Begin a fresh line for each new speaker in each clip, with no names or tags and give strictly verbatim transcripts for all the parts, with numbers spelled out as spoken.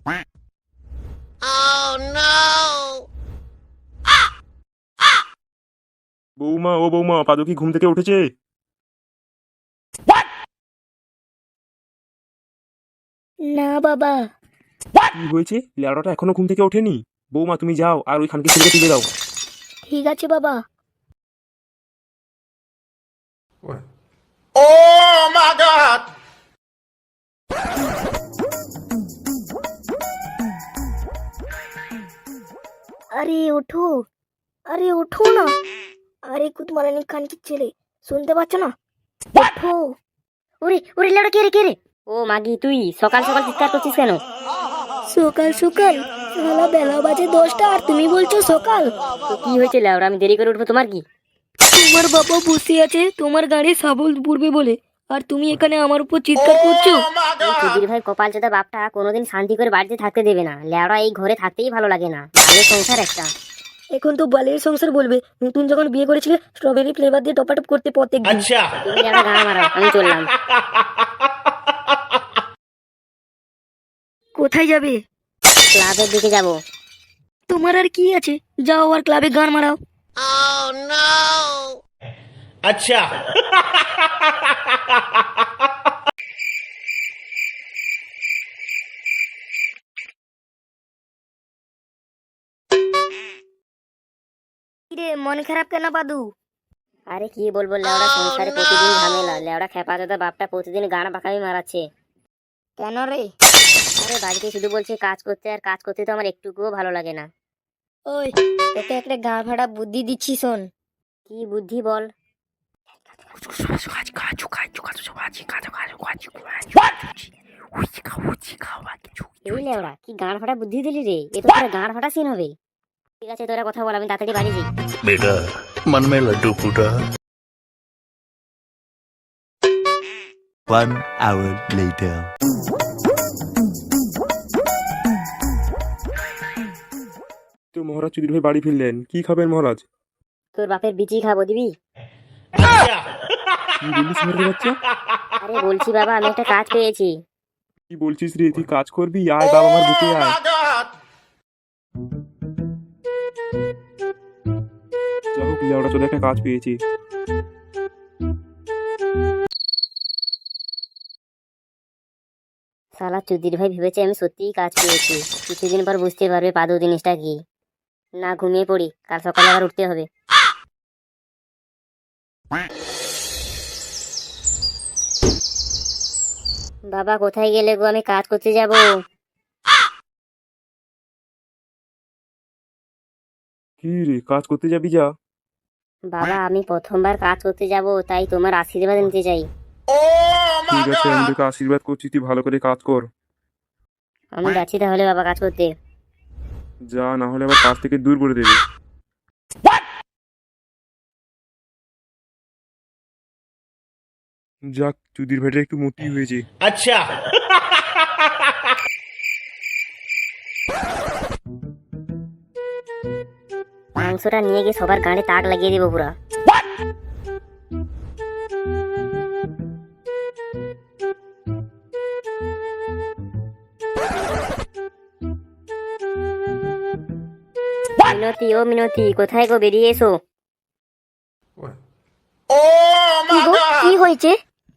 বৌমা, ও বৌমা, পাদু কি ঘুম থেকে উঠেছে?
না বাবা।
কি হয়েছে? লেওড়াটা এখনো ঘুম থেকে ওঠেনি? বৌমা, তুমি যাও আর ওই খানকে ছেলেকে তুলে দাও।
ঠিক আছে বাবা।
Oh my God!
আরে ওঠো, আরে ওঠো না। আরে কুতমারানি খান কি ছেলে, শুনতে পাচ্ছ না? ওঠো।
ওরে ওরে লেওড়া, কে রে কে রে? ও মাগি, তুই সকাল সকাল চিৎকার করছিস কেন?
সকাল সকাল? সালা বেলা বাজে দশটা আর তুমি বলছো সকাল?
তো কি হয়েছে লেওড়া, আমি দেরি করে উঠবো তোমার কি?
তোমার বাবা বসে আছে তোমার গাড়ি সাবল পূর্বে বলে, আর তুমি এখানে আমার উপর চিৎকার করছো।
এই সুধীর ভাই কপাল চোদা বাপটা কোনোদিন শান্তি করে বাড়িতে থাকতে দেবে না। লেওড়া এই ঘরে থাকতেই ভালো লাগে না, ভালো সংসার একটা।
এখন তো বালের সংসার বলবে, নতুন যখন বিয়ে করেছিলে স্ট্রবেরি ফ্লেভার দিয়ে টপাটপ করতে প্রত্যেক দিন।
अच्छा
তুমি লেওড়া গান মারাও, আমি চললাম।
কোথায় যাবে?
ক্লাবের দিকে যাব।
তোমার আর কি আছে, যাও আর ক্লাবে গান মারাও।
अच्छा
কিরে মন খারাপ কেন পাদু?
আরে কি বলবো লেওড়া, সংসারে প্রতিদিন ঝামেলা। লেওড়া খেপা চোদা বাপটা প্রতিদিন গান বাঁকামি মারাচ্ছে।
কেন রে?
আরে বাড়িতে শুধু বলছে কাজ করতে, আর কাজ করতে তো আমার একটুকুও ভালো লাগে না।
ওই তোকে একটা গান ফাটা বুদ্ধি দিচ্ছি, শোন।
কি বুদ্ধি বল? এই লেওড়া, কি গান ফাটা বুদ্ধি দিলি রে? এ তো তোরা গান ফাটা সিন হবে। ঠিক আছে, তোরা কথা বল, আমি তাড়াতাড়ি বাড়ি যাই।
बेटा मन में लड्डू फूटा। One hour later.
তো মহারাজ চুদির ভাই বাড়ি ফিরলেন, কি খাবেন মহারাজ?
তোর বাপের বিচি খাবো, দিবি?
কি বলিস ছেলের বাচ্চা?
আরে বলছি বাবা, আমি একটা কাজ পেয়েছি।
কি বলছিস রে? তুই কাজ করবি? আয় বাবা, আমার বুকে আয়। যা হোক, লেওড়া চোদা একটা কাজ পেয়েছি।
শালা চুদির ভাই ভেবেছে আমি সত্যিই কাজ পেয়েছি। কিছুদিন পর বুঝতে পারবে পাদু জিনিসটা কি। না, ঘুমিয়ে পড়ি, কাল সকালে আবার উঠতে হবে। বাবা কোথায় গেলে গো? আমি কাজ করতে যাব।
কি রে, কাজ করতে যাবি? যা।
বাবা আমি প্রথমবার কাজ করতে যাব, তাই তোমার আশীর্বাদ নিতে চাই।
ঠিক আছে, আমি তোকে আশীর্বাদ করছি, তুই ভালো করে কাজ কর।
আমি যাচ্ছি তাহলে বাবা কাজ করতে।
যা, না হলে আবার কাজ থেকে দূর করে দেবে। যাক, চুদির ভাইটা একটু মোটি হয়েছে।
अच्छा
মাংসটা নিয়ে গিয়ে সবার গাড়ি তাক লাগিয়ে দিব পুরা। মিনতি, ও মিনতি, কোথায় গো? বেরিয়ে এসো।
Oh
কি
my
গো,
God!
কি হয়েছে?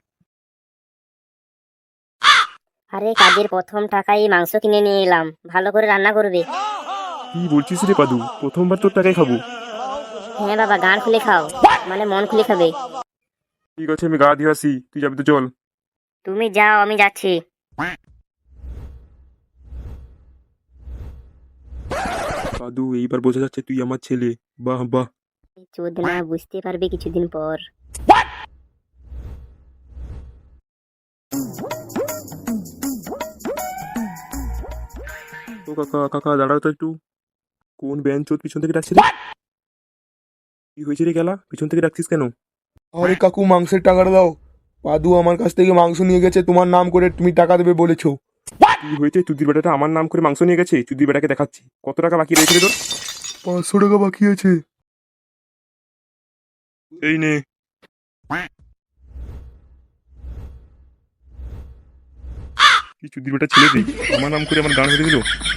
আরে কাজের প্রথম টাকায় মাংস কিনে নিয়ে এলাম, ভালো করে রান্না করবে।
কি বলছিস রে পাদু? প্রথমবার তোর টাকায় খাবো?
হ্যাঁ বাবা, গান খুলে খাও, মানে মন খুলে খাবে।
ঠিক আছে, আমি গা দিয়ে আসি, তুই যাবি তো চল।
তুমি যাও, আমি যাচ্ছি।
পাদু, এইবার বোঝা যাচ্ছে তুই আমার ছেলে। বাহ বাহ।
চোদনা বুঝতে পারবে কিছুদিন পর।
ও কাকা, কাকা দাঁড়াও তো একটু। কোন বেঞ্চ চোদ পিছন থেকে ডাকছে রে? কি হয়েছে রে গেলা, পিছন থেকে ডাকছিস কেন?
আরে কাকু, মাংসের টাকাটা দাও। পাদু আমার কাছ থেকে মাংস নিয়ে গেছে, তোমার নাম করে তুমি টাকা দেবে বলেছো।
কি হয়েছে? চুদির বেটাটা আমার নাম করে মাংস নিয়ে গেছে। চুদির বেটাকে দেখাচ্ছি। কত টাকা বাকি রয়েছে রে তোর?
পাঁচশো টাকা বাকি আছে।
এই নে। কিছু দিন ওটা ছেলে দিই আমার নাম করে আমার গান মেরে দিল